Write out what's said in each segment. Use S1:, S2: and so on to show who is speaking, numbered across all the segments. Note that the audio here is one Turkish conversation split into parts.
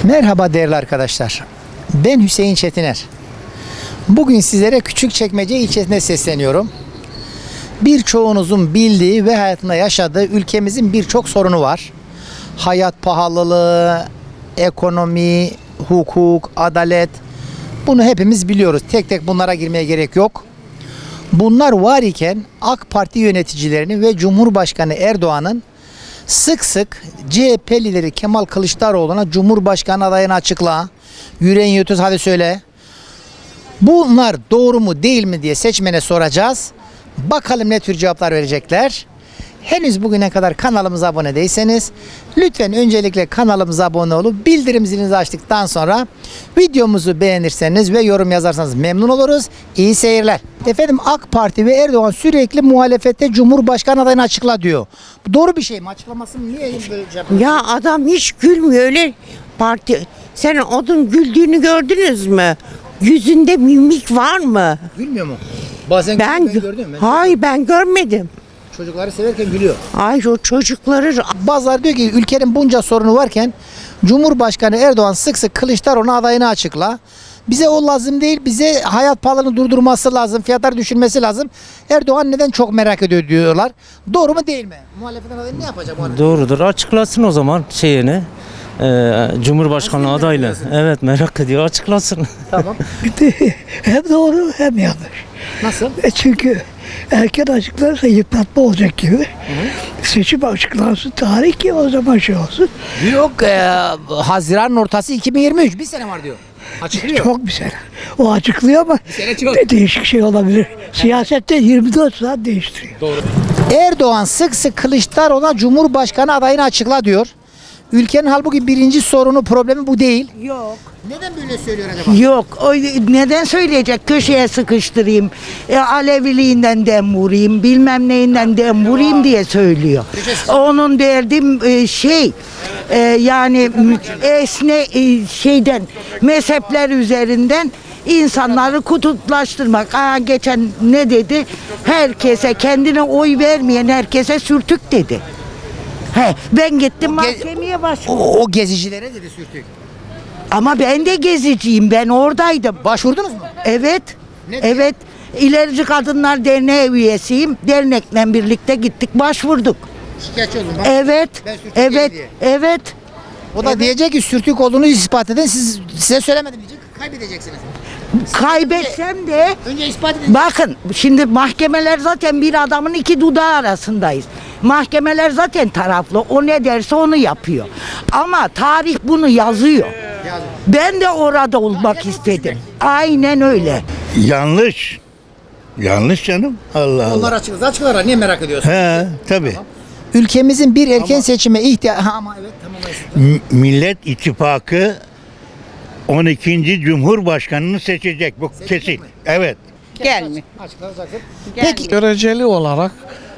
S1: Merhaba değerli arkadaşlar. Ben Hüseyin Çetiner. Bugün sizlere Küçükçekmece ilçesine sesleniyorum. Birçoğunuzun bildiği ve hayatında yaşadığı ülkemizin birçok sorunu var. Hayat pahalılığı, ekonomi, hukuk, adalet. Bunu hepimiz biliyoruz. Tek tek bunlara girmeye gerek yok. Bunlar var iken AK Parti yöneticilerinin ve Cumhurbaşkanı Erdoğan'ın sık sık CHP lideri Kemal Kılıçdaroğlu'na Cumhurbaşkanı adayını açıkla, yüreğin yetiyorsa hadi söyle. Bunlar doğru mu değil mi diye seçmene soracağız. Bakalım ne tür cevaplar verecekler. Henüz bugüne kadar kanalımıza abone değilseniz lütfen öncelikle kanalımıza abone olup bildirim zilinizi açtıktan sonra videomuzu beğenirseniz ve yorum yazarsanız memnun oluruz. İyi seyirler. Efendim, AK Parti ve Erdoğan sürekli muhalefette Cumhurbaşkanı adayını açıkla diyor. Bu doğru bir şey mi? Açıklamasını niye böyle yapıyor?
S2: Ya adam hiç gülmüyor öyle parti. Sen onun güldüğünü gördünüz mü? Yüzünde mimik var mı?
S1: Gülmüyor mu? Bazen
S2: Ben
S1: gördüm.
S2: hayır, ben görmedim.
S1: Çocukları severken gülüyor.
S2: Ay, o çocukları
S1: Bazıları diyor ki ülkenin bunca sorunu varken Cumhurbaşkanı Erdoğan sık sık Kılıçdaroğlu'na adayını açıkla. Bize o lazım değil, bize hayat pahalılığını durdurması lazım, fiyatları düşürmesi lazım. Erdoğan neden çok merak ediyor diyorlar. Doğru mu değil mi? Muhalefetin adayı ne yapacak muhalefet?
S3: Doğrudur. Açıklasın o zaman şeyini. Cumhurbaşkanlığı
S1: Nasıl
S3: adayla.
S1: merak
S3: Evet, merak ediyor. Açıklasın.
S1: Tamam.
S4: Hem doğru hem yanlış.
S1: Nasıl?
S4: Çünkü erken açıklarsa yıpratma olacak gibi. Seçim açıklansın, tarih ki o zaman şey olsun.
S1: Yok, Haziran'ın ortası 2023. Bir sene var diyor. Açıklıyor.
S4: Çok bir sene. O açıklıyor ama
S1: sene çok.
S4: değişik şey olabilir. Siyasette 24 saat değiştiriyor.
S1: Erdoğan sık sık Kılıçdaroğlu'na Cumhurbaşkanı adayını açıkla diyor. Ülkenin halbuki birinci sorunu, problemi bu değil.
S2: yok.
S1: Neden böyle söylüyor acaba?
S2: Yok. O neden söyleyecek? Köşeye sıkıştırayım. Aleviliğinden dem vurayım, bilmem neyinden dem vurayım diye söylüyor. Onun derdi yani şeyden, mezhepler üzerinden insanları kutuplaştırmak. Geçen ne dedi? Herkese, kendine oy vermeyen herkese sürtük dedi. Ben gittim mahkemeye başvurdum.
S1: O gezicilere dedi sürtük.
S2: Ama ben de geziciyim. Ben oradaydım.
S1: Başvurdunuz mu?
S2: Evet.
S1: Ne diyor?
S2: Evet. İlerici Kadınlar Derneği üyesiyim. Dernekle birlikte gittik, başvurduk.
S1: Şikayetçi oldum.
S2: Evet.
S1: Ben sürtük
S2: Evet.
S1: diye.
S2: Evet.
S1: O da diyecek ki sürtük olduğunu ispat edin. Size söylemedim diyecek. Kaybedeceksiniz.
S2: Kaybetsem de
S1: Önce ispat edin.
S2: bakın, şimdi mahkemeler zaten bir adamın iki dudağı arasındayız. Mahkemeler zaten taraflı. O ne derse onu yapıyor. Ama tarih bunu yazıyor. Ben de orada olmak istedim. Aynen öyle.
S5: Yanlış. Yanlış canım. Allah Allah.
S1: Onlar açıklar. Niye merak ediyorsun?
S5: He, tabii.
S1: Ülkemizin bir erken seçime ihtiyacı... Ama evet, tamam.
S5: Millet İttifakı 12. Cumhurbaşkanını seçecek. Bu kesin.
S1: mi?
S5: Evet.
S2: Gelme.
S1: Açıklayacaksın. Peki
S6: Göreceli olarak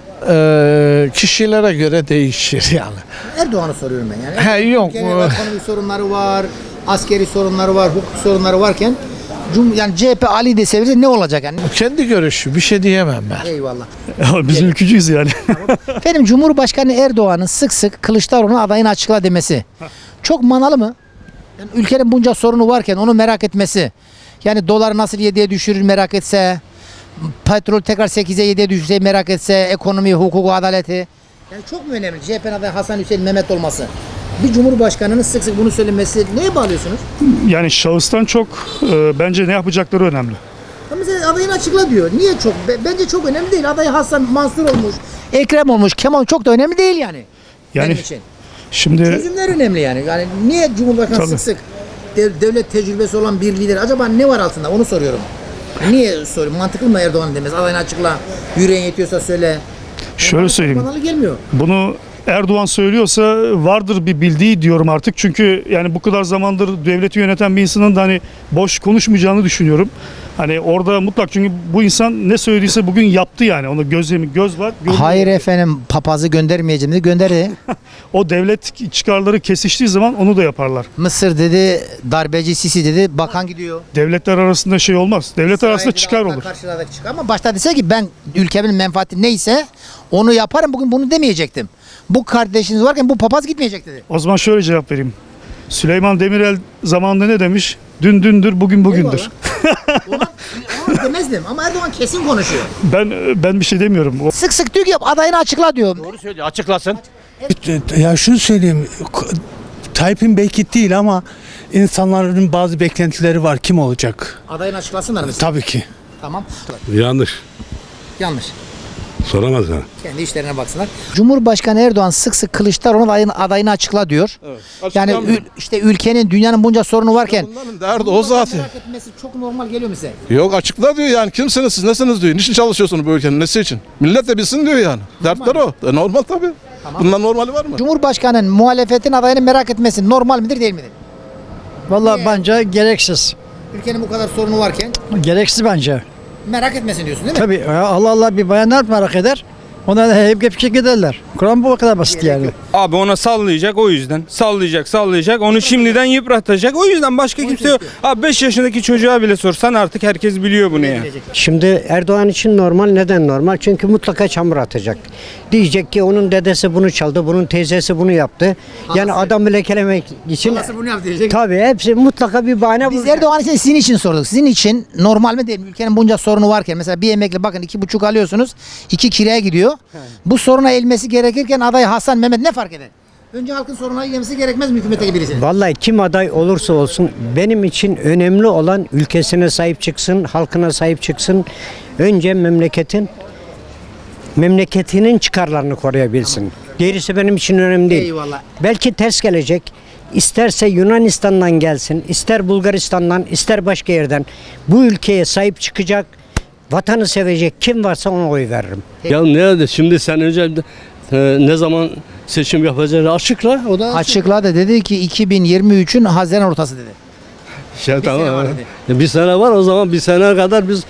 S6: kişilere göre değişir yani.
S1: Erdoğan'ı soruyorum ben yani.
S6: He, yok.
S1: Ülkenin ekonomik sorunları var, askeri sorunları var, hukuk sorunları varken yani CHP Ali de sevirse ne olacak yani?
S6: Kendi görüşü, bir şey diyemem ben.
S1: Eyvallah.
S7: Biz ülkücüyüz yani.
S1: Efendim, Cumhurbaşkanı Erdoğan'ın sık sık Kılıçdaroğlu'na adayını açıkla demesi çok manalı mı? Yani ülkenin bunca sorunu varken onu merak etmesi. Yani doları nasıl 7'ye düşürür merak etse, petrol tekrar 8'e 7'ye düşürse merak etse, ekonomi, hukuku, adaleti. Yani çok mu önemli CHP'nin adayı Hasan Hüseyin Mehmet olması? Bir cumhurbaşkanının sık sık bunu söylemesi neye bağlıyorsunuz?
S7: Yani şahıstan çok bence ne yapacakları önemli.
S1: Ya mesela adayını açıkla diyor. Niye çok? Bence çok önemli değil. Adayı Hasan Mansur olmuş, Ekrem olmuş, Kemal çok da önemli değil yani.
S7: Yani
S1: Benim için.
S7: şimdi
S1: Çözümler önemli yani. Yani niye Cumhurbaşkanı
S7: Tabii.
S1: sık sık devlet tecrübesi olan bir lider acaba ne var altında onu soruyorum. Niye soruyorum? Mantıklı mı Erdoğan demez? Adayını açıkla. Yüreğin yetiyorsa söyle.
S7: şöyle söyleyeyim.
S1: Banalı gelmiyor.
S7: Bunu Erdoğan söylüyorsa vardır bir bildiği diyorum artık. Çünkü yani bu kadar zamandır devleti yöneten bir insanın da hani boş konuşmayacağını düşünüyorum. Hani orada mutlak, çünkü bu insan ne söylediyse bugün yaptı yani. Ona göz var. görüyor.
S1: Hayır efendim, papazı göndermeyeceğim dedi, gönderdi.
S7: O devlet çıkarları kesiştiği zaman onu da yaparlar.
S1: Mısır dedi, darbeci Sisi dedi, bakan gidiyor.
S7: Devletler arasında şey olmaz. Devlet arasında çıkar olur.
S1: Karşılardaki çıkar. Ama başta dese ki ben ülkemin menfaati neyse onu yaparım, bugün bunu demeyecektim. Bu kardeşiniz varken bu papaz gitmeyecek dedi.
S7: O zaman şöyle cevap vereyim. Süleyman Demirel zamanında ne demiş? Dün dündür, bugün bugündür.
S1: Ona demezdim ama Erdoğan kesin konuşuyor.
S7: Ben bir şey demiyorum.
S1: Sık sık diyor ki adayını açıkla diyor.
S3: Doğru söylüyor. Açıklasın.
S8: Ya şunu söyleyeyim. Tayyip'in belki değil ama insanların bazı beklentileri var. Kim olacak?
S1: Adayını açıklasınlar mı?
S8: Tabii ki.
S1: Tamam.
S9: Yanlış.
S1: Yanlış.
S9: Soramaz ha.
S1: Kendi işlerine baksınlar. Cumhurbaşkanı Erdoğan sık sık Kılıçdaroğlu'nun adayını açıkla diyor. Yani işte ülkenin, dünyanın bunca sorunu varken
S10: Bunların derdi o zaten.
S1: merak etmesi çok normal geliyor mu size?
S10: Yok açıkla diyor yani kimsiniz siz nesiniz diyor. Niçin çalışıyorsunuz bu ülkenin nesi için? Millet de bilsin diyor yani. Dertler o. Normal tabii. Bundan normali var mı?
S1: Cumhurbaşkanının muhalefetin adayını merak etmesi normal midir değil midir?
S4: Vallahi bence gereksiz.
S1: Ülkenin bu kadar sorunu varken
S4: Gereksiz bence.
S1: merak etmesin diyorsun değil mi?
S4: Tabii ya Allah Allah bir bayanlar merak eder. Ondan hep giderler. Kur'an bu kadar basit yani.
S11: Abi ona sallayacak o yüzden. Sallayacak. Onu şimdiden yıpratacak. O yüzden başka kimse yok. Abi 5 yaşındaki çocuğa bile sorsan artık herkes biliyor bunu ya.
S12: Şimdi Erdoğan için normal. Neden normal? Çünkü mutlaka çamur atacak. Diyecek ki onun dedesi bunu çaldı, bunun teyzesi bunu yaptı. Yani adamı lekelemek için.
S1: Nasıl bunu yap diyecek?
S12: Tabii hepsi mutlaka bir bahane
S1: Biz
S12: bulacak.
S1: Erdoğan için sizin için sorduk. Sizin için normal mi değil mi? Ülkenin bunca sorunu varken mesela bir emekli bakın 2,5 alıyorsunuz. 2 kiraya gidiyor. Bu soruna elmesi gerekirken aday Hasan Mehmet ne fark eder? Önce halkın sorunları yemesi gerekmez mi hükümetteki birisinin?
S12: Vallahi kim aday olursa olsun benim için önemli olan ülkesine sahip çıksın, halkına sahip çıksın. Önce memleketinin çıkarlarını koruyabilsin. Gerisi benim için önemli değil.
S1: Eyvallah.
S12: Belki ters gelecek. İsterse Yunanistan'dan gelsin, ister Bulgaristan'dan, ister başka yerden bu ülkeye sahip çıkacak, vatanı sevecek kim varsa ona oy veririm.
S9: Ya nerede? Şimdi sen önce ne zaman seçim yapacağını açıkla. O da
S1: Açıkladı dedi ki 2023'ün Haziran ortası dedi.
S9: tamam.
S1: var
S9: Bir sene var o zaman bir sene kadar biz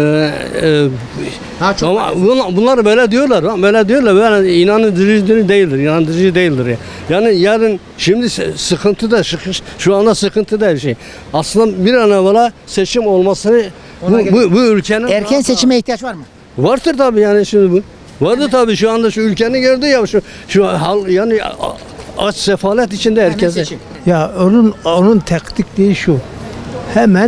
S1: Daha çok
S9: ama bunlar böyle diyorlar. Böyle inandırıcı değildir ya. Yani yarın şimdi sıkıntı da şu anda sıkıntı da her şey. Aslında bir an evvela seçim olmasını bu ülkenin
S1: erken seçime ihtiyaç var mı?
S9: vardır tabii yani şimdi bu. Vardı tabii şu anda şu ülkenin gördü ya şu hal yani aç sefalet içinde
S1: Hemen
S9: herkese.
S1: seçim.
S8: Ya onun taktikliği şu. Hemen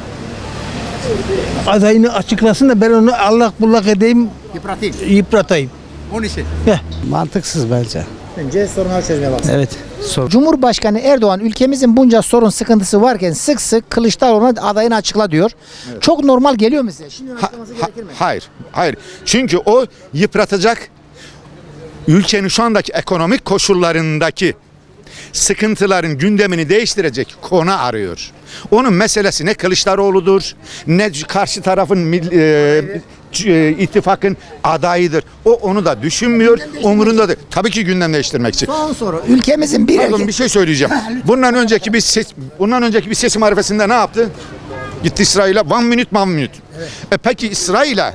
S8: adayını açıklasın da ben onu allak bullak edeyim, yıpratayım.
S1: Onun için.
S8: Mantıksız bence.
S1: Önce sorunları çözmeye baksın.
S8: Evet.
S1: Cumhurbaşkanı Erdoğan ülkemizin bunca sorun sıkıntısı varken sık sık Kılıçdaroğlu'na adayını açıkla diyor. Çok normal geliyor mu size? Şimdi açıklaması gerekir mi?
S13: Hayır. Çünkü o yıpratacak ülkenin şu andaki ekonomik koşullarındaki sıkıntıların gündemini değiştirecek konu arıyor. Onun meselesi ne Kılıçdaroğlu'dur, ne karşı tarafın ittifakın adayıdır. O onu da düşünmüyor, umurunda değil. Tabii ki gündem değiştirmek için.
S1: Son soru. Ülkemizin
S13: Pardon bir şey söyleyeceğim. Bundan önceki bir seçim arifesinde ne yaptı? Gitti İsrail'e one minute. Evet. Peki İsrail'e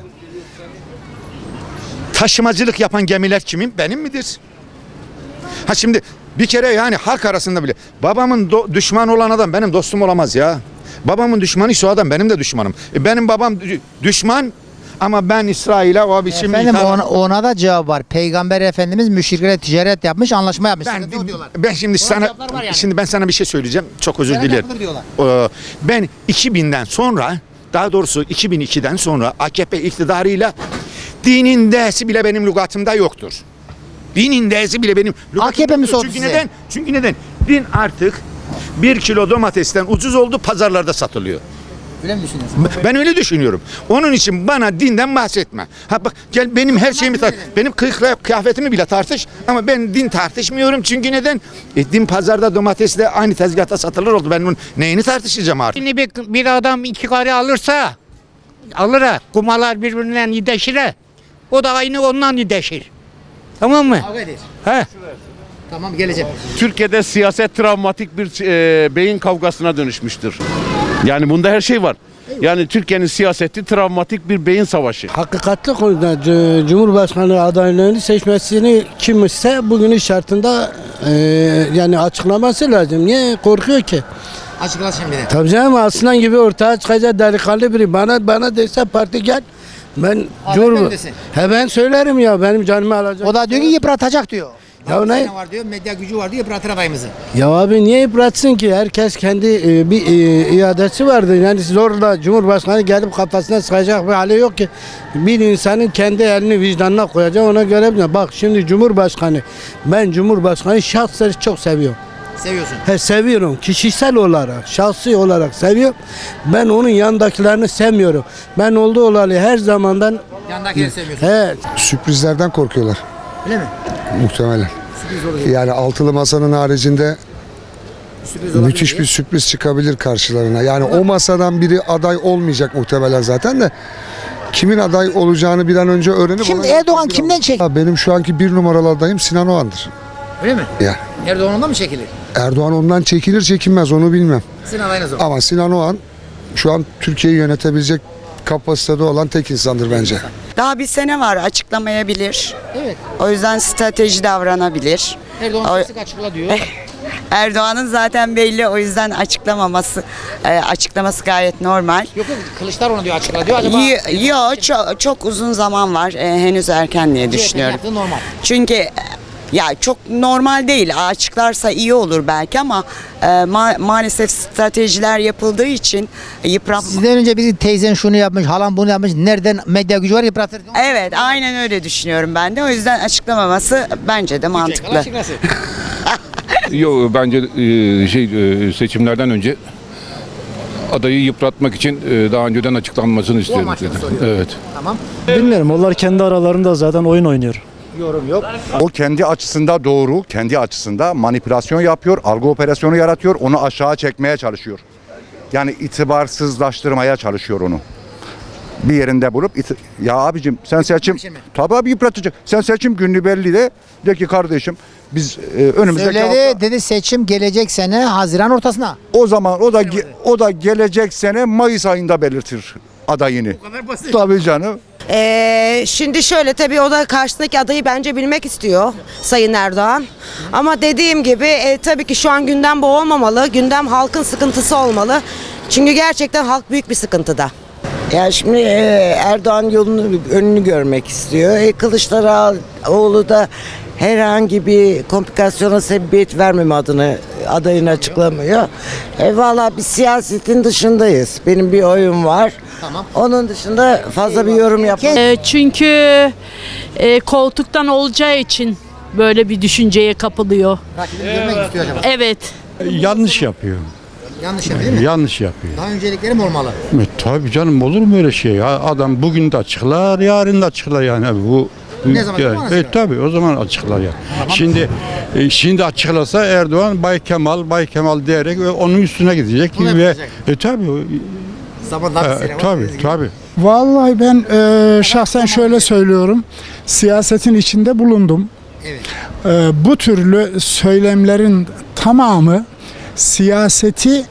S13: taşımacılık yapan gemiler kimin? Benim midir? Ha şimdi bir kere yani halk arasında bile babamın düşman olan adam benim dostum olamaz ya. Babamın düşmanı şu adam benim de düşmanım. Benim babam düşman ama ben İsrail'e o biçim
S1: Efendim ona da cevap var. Peygamber Efendimiz müşriklerle ticaret yapmış, anlaşma yapmış.
S13: Ben şimdi şimdi ben sana bir şey söyleyeceğim. Çok özür dilerim. Ben 2000'den sonra daha doğrusu 2002'den sonra AKP iktidarıyla dinin D'si bile benim lügatımda yoktur. Dinin D'si bile benim lügatımda
S1: AKP mi sordu
S13: Çünkü
S1: size?
S13: neden? Çünkü neden? Din artık 1 kilo domatesten ucuz oldu, pazarlarda satılıyor.
S1: Öyle mi düşünüyorsun?
S13: Ben öyle düşünüyorum. Onun için bana dinden bahsetme. Ha bak gel benim her şeyimi benim kıyafetimi bile tartış ama ben din tartışmıyorum çünkü neden? Din pazarda domatesle aynı tezgahta satılır oldu. Ben bunun neyini tartışacağım artık?
S5: Şimdi bir adam 2 karı alırsa alır ha. Kumalar birbirinden yideşir ha. O da aynı ondan yideşir. Tamam mı?
S1: Kavga eder.
S5: He.
S1: Tamam geleceğim.
S10: Türkiye'de siyaset travmatik bir beyin kavgasına dönüşmüştür. Yani bunda her şey var. Yani Türkiye'nin siyaseti travmatik bir beyin savaşı.
S8: Hakikatli konuda Cumhurbaşkanı adaylığını seçmesini kim ise bugünün şartında yani açıklaması lazım. Niye korkuyor ki?
S1: Açıkla şimdi de.
S8: Tabii canım aslan gibi ortaya çıkacak delikanlı biri. Bana dese parti gel. Ben
S1: Cumhurbaşkanı.
S8: ben söylerim ya benim canımı alacak.
S1: O da diyor ki yıpratacak diyor.
S8: Ya
S1: 6
S8: ne?
S1: sene var diyor, medya gücü var diyor, yıpratır adayımızı.
S8: Ya abi niye yıpratsın ki? Herkes kendi bir iadesi vardır. Yani zorla Cumhurbaşkanı gelip kafasına sıkacak bir hali yok ki. Bir insanın kendi elini vicdanına koyacak, ona göre bir. Bak şimdi Cumhurbaşkanı, ben Cumhurbaşkanı şahsen çok seviyorum.
S1: Seviyorsun.
S8: Seviyorum. Kişisel olarak, şahsi olarak seviyorum. Ben onun yanındakilerini sevmiyorum. Ben olduğu olalı her zamandan
S1: Yandakileri seviyorsun.
S14: Sürprizlerden korkuyorlar
S1: Öyle mi?
S14: muhtemelen.
S1: Sürpriz olacak.
S14: Yani altılı masanın haricinde
S1: Sürpriz olabilir
S14: müthiş
S1: diye.
S14: bir sürpriz çıkabilir karşılarına. Yani o masadan biri aday olmayacak muhtemelen zaten de. Kimin aday olacağını bir an önce öğrenip...
S1: Kim
S14: ona-
S1: Erdoğan kimden çekilir?
S14: Benim şu anki bir numaralı adayım Sinan Oğan'dır.
S1: Öyle mi?
S14: Yani
S1: Erdoğan ondan mı çekilir?
S14: Erdoğan ondan çekilir çekinmez onu bilmem.
S1: Sizin adayınız o.
S14: Ama Sinan Oğan şu an Türkiye'yi yönetebilecek kapasitede olan tek insandır bence.
S15: Daha bir sene var, açıklamayabilir.
S1: Evet.
S15: O yüzden strateji davranabilir.
S1: Erdoğan sık sık açıkla diyor.
S15: Erdoğan'ın zaten belli, o yüzden açıklaması gayet normal.
S1: Yok Kılıçdaroğlu diyor açıkla diyor. Acaba
S15: Yok, çok uzun zaman var. Henüz erken diye düşünüyorum.
S1: yaptığı normal.
S15: Çünkü ya çok normal değil. Açıklarsa iyi olur belki ama maalesef stratejiler yapıldığı için yıpratma.
S1: Sizden önce biri teyzen şunu yapmış, halam bunu yapmış. Nereden medya gücü var yıpratır.
S15: Evet, aynen öyle düşünüyorum ben de. O yüzden açıklamaması bence de mantıklı.
S1: Açıklasın.
S10: Yok bence seçimlerden önce adayı yıpratmak için daha önceden açıklanmasını istiyorum.
S1: amaçla soruyorum.
S10: Evet.
S1: Tamam.
S6: Bilmiyorum. Onlar kendi aralarında zaten oyun oynuyor.
S1: Yorum yok.
S13: O kendi açısında doğru, kendi açısında manipülasyon yapıyor, algı operasyonu yaratıyor, onu aşağı çekmeye çalışıyor. Yani itibarsızlaştırmaya çalışıyor onu. Bir yerinde bulup ya abicim sen seçim
S1: için mi?
S13: tabii abi yıpratacak. Sen seçim günü belli de ki kardeşim biz önümüzdeki hafta
S1: Söyledi dedi seçim gelecek sene Haziran ortasına.
S13: o zaman o da gelecek sene Mayıs ayında belirtir adayını.
S1: Bu kadar basit.
S13: Tabii canım.
S15: Şimdi şöyle tabii o da karşısındaki adayı bence bilmek istiyor Sayın Erdoğan. Ama dediğim gibi tabii ki şu an gündem bu olmamalı. Gündem halkın sıkıntısı olmalı. Çünkü gerçekten halk büyük bir sıkıntıda.
S2: Ya şimdi Erdoğan yolunu önünü görmek istiyor. Kılıçdaroğlu da herhangi bir komplikasyona sebebiyet vermeme adayını açıklamıyor. Valla bir siyasetin dışındayız. Benim bir oyum var.
S1: Tamam.
S2: Onun dışında fazla bir yorum yapmam.
S16: Çünkü koltuktan olacağı için böyle bir düşünceye kapılıyor.
S1: Rakibini görmek istiyor acaba.
S16: Evet.
S6: Yanlış yapıyor.
S1: Yanlış yapıyor değil mi?
S6: Yanlış yapıyor.
S1: Daha öncelikleri mi olmalı?
S6: Tabii canım olur mu öyle şey? Ya? Adam bugün de açıklar, yarın da açıklar yani. Bu
S1: Ne zaman açıklar?
S6: tabii o zaman açıklar ya. Şimdi açıklasa Erdoğan Bay Kemal diyerek onun üstüne gidecek
S1: Bunu
S6: ve
S1: yapacak.
S6: tabii
S1: Zaman daha bir sene var.
S6: tabii.
S7: Vallahi ben şahsen şöyle söylüyorum. Siyasetin içinde bulundum.
S1: Evet.
S7: Bu türlü söylemlerin tamamı siyaseti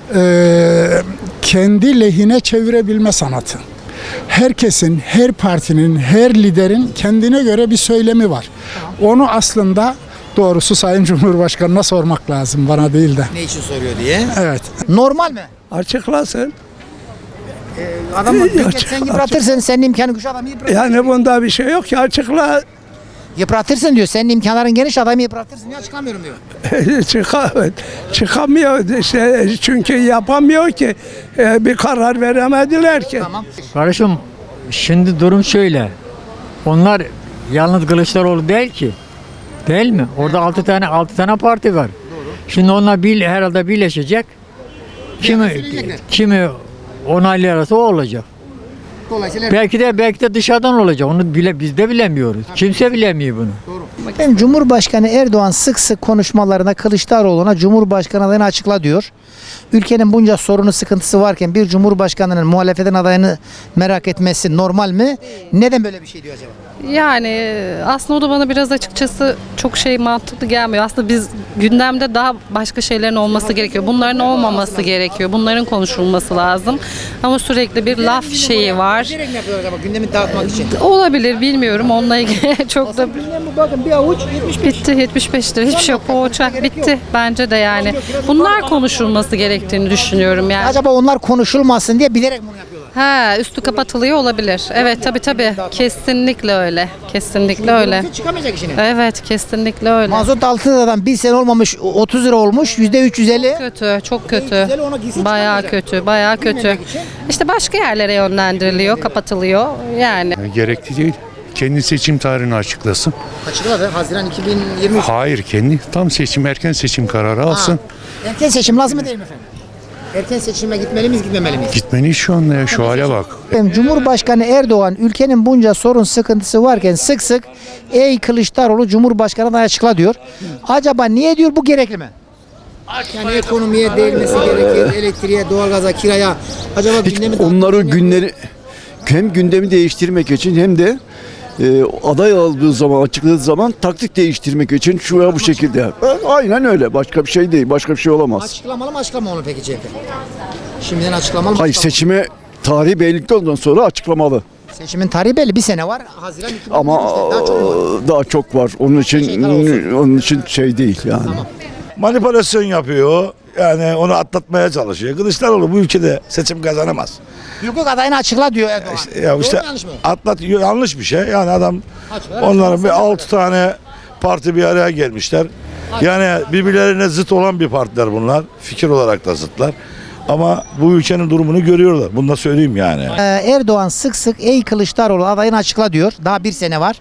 S7: kendi lehine çevirebilme sanatı. Herkesin, her partinin, her liderin kendine göre bir söylemi var. Onu aslında doğrusu Sayın Cumhurbaşkanı'na sormak lazım, bana değil de.
S1: Ne için soruyor diye.
S7: Evet.
S1: Normal mi?
S6: Açıklasın.
S1: Adam sen yıpratırsın, senin imkanı güç adamı yıpratırsın.
S6: Yani bunda bir şey yok ki açıkla.
S1: Yıpratırsın diyor. Senin imkanların geniş adamı yıpratırsın. Niye açıklamıyorum diyor.
S6: Çıkamıyor işte çünkü yapamıyor ki bir karar veremediler ki.
S1: Tamam.
S12: Kardeşim şimdi durum şöyle. Onlar yalnız Kılıçdaroğlu değil ki. Değil mi? Orada 6 tane parti var. Şimdi onlar herhalde birleşecek. Kimi onaylarsa o olacak.
S1: Dolayısıyla
S12: Belki de dışarıdan olacak. Onu biz de bilemiyoruz. Kimse bilemiyor bunu.
S1: Benim Cumhurbaşkanı Erdoğan sık sık konuşmalarına Kılıçdaroğlu'na Cumhurbaşkanı adayını açıkla diyor. Ülkenin bunca sorunu sıkıntısı varken bir Cumhurbaşkanı'nın muhalefetin adayını merak etmesi normal mi? Neden böyle bir şey diyor acaba?
S16: Yani aslında o da bana biraz açıkçası çok mantıklı gelmiyor. Aslında biz gündemde daha başka şeylerin olması gerekiyor. Bunların olmaması gerekiyor. Bunların konuşulması lazım. Ama sürekli bir laf şeyi var.
S1: Bilerek mi yapıyor acaba gündemi dağıtmak için?
S16: Olabilir bilmiyorum. Onunla ilgili çok da
S1: Bakın bir avuç 75.
S16: bitti 75 lira. Hiçbir şey yok. O uçak bitti. Bence de yani. Bunlar konuşulması gerektiğini düşünüyorum yani.
S1: Acaba onlar konuşulmasın diye bilerek bunu yapıyorlar.
S16: Ha, üstü kapatılıyor olabilir. Evet, tabii. Kesinlikle öyle. Kesinlikle öyle.
S1: Çıkamayacak işine.
S16: Evet, kesinlikle öyle.
S1: Mazot 6 liradan bir sene olmamış 30 lira olmuş. %350.
S16: Kötü, çok kötü.
S1: %350 ona gitsin
S16: Bayağı
S1: çıkamayacak.
S16: kötü, bayağı kötü.
S1: Bilmemek için.
S16: İşte başka yerlere yönlendiriliyor, kapatılıyor. Yani.
S17: Gerekli değil. Kendi seçim tarihini açıklasın.
S1: Açıkladı. Haziran 2023.
S17: Hayır, kendi tam seçim, erken seçim kararı alsın.
S1: Erken seçim lazım mı değil mi efendim? Erken seçime gitmeli miyiz, gitmemeli miyiz?
S17: Gitmeli şu anda ya, şu hale bak.
S1: Cumhurbaşkanı Erdoğan ülkenin bunca sorun sıkıntısı varken sık sık ey Kılıçdaroğlu Cumhurbaşkanı adayı açıkla diyor. Acaba niye diyor, bu gerekli mi? Yani ekonomiye değinmesi gerekir, elektriğe, doğalgaza, kiraya. Acaba gündemi
S18: Onları günleri hem gündemi değiştirmek için hem de aday aldığı zaman, açıkladığı zaman taktik değiştirmek için şu veya bu şekilde. Aynen öyle. Başka bir şey değil. Başka bir şey olamaz.
S1: Açıklamalı mı açıklamalı mı peki CHP? Şimdiden açıklamalı mı?
S18: Hayır, seçime tarihi belirli olduktan sonra açıklamalı.
S1: Seçimin tarihi belli, bir sene var. Haziran 2023'te
S18: Ama
S1: daha çok var.
S18: Onun için şey değil yani.
S1: Tamam.
S19: Manipülasyon yapıyor. Yani onu atlatmaya çalışıyor. Kılıçdaroğlu bu ülkede seçim kazanamaz.
S1: Hukuk adayını açıkla diyor Erdoğan.
S19: Ya işte
S1: Doğru mu, yanlış mı?
S19: yanlış bir şey. Yani adam onların bir 6 tane parti bir araya gelmişler. Yani birbirlerine zıt olan bir partiler bunlar. Fikir olarak da zıtlar. Ama bu ülkenin durumunu görüyorlar. Bunu da söyleyeyim yani.
S1: Erdoğan sık sık ey Kılıçdaroğlu adayını açıkla diyor. Daha bir sene var.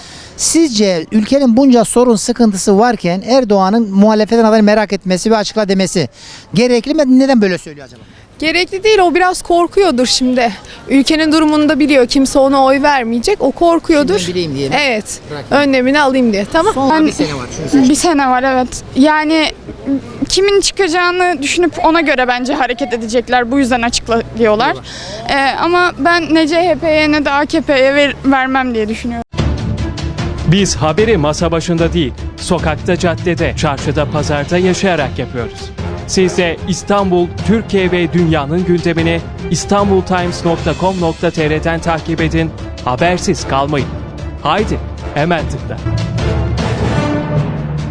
S1: Sizce ülkenin bunca sorun sıkıntısı varken Erdoğan'ın muhalefetin adayını merak etmesi ve açıkla demesi gerekli mi? Neden böyle söylüyor acaba?
S20: Gerekli değil, o biraz korkuyordur şimdi. Ülkenin durumunu da biliyor, kimse ona oy vermeyecek, o korkuyordur.
S1: Şimdiden bileyim diye mi?
S20: Evet,
S1: Bırakayım.
S20: önlemini alayım diye, tamam.
S1: Son bir sene var. Şunu seç.
S21: Bir sene var, evet. Yani kimin çıkacağını düşünüp ona göre bence hareket edecekler. Bu yüzden açıklıyorlar. Ama ben ne CHP'ye ne de AKP'ye vermem diye düşünüyorum.
S22: Biz haberi masa başında değil, sokakta, caddede, çarşıda, pazarda yaşayarak yapıyoruz. Siz de İstanbul, Türkiye ve dünyanın gündemini istanbultimes.com.tr'den takip edin, habersiz kalmayın. Haydi, hemen tıkla.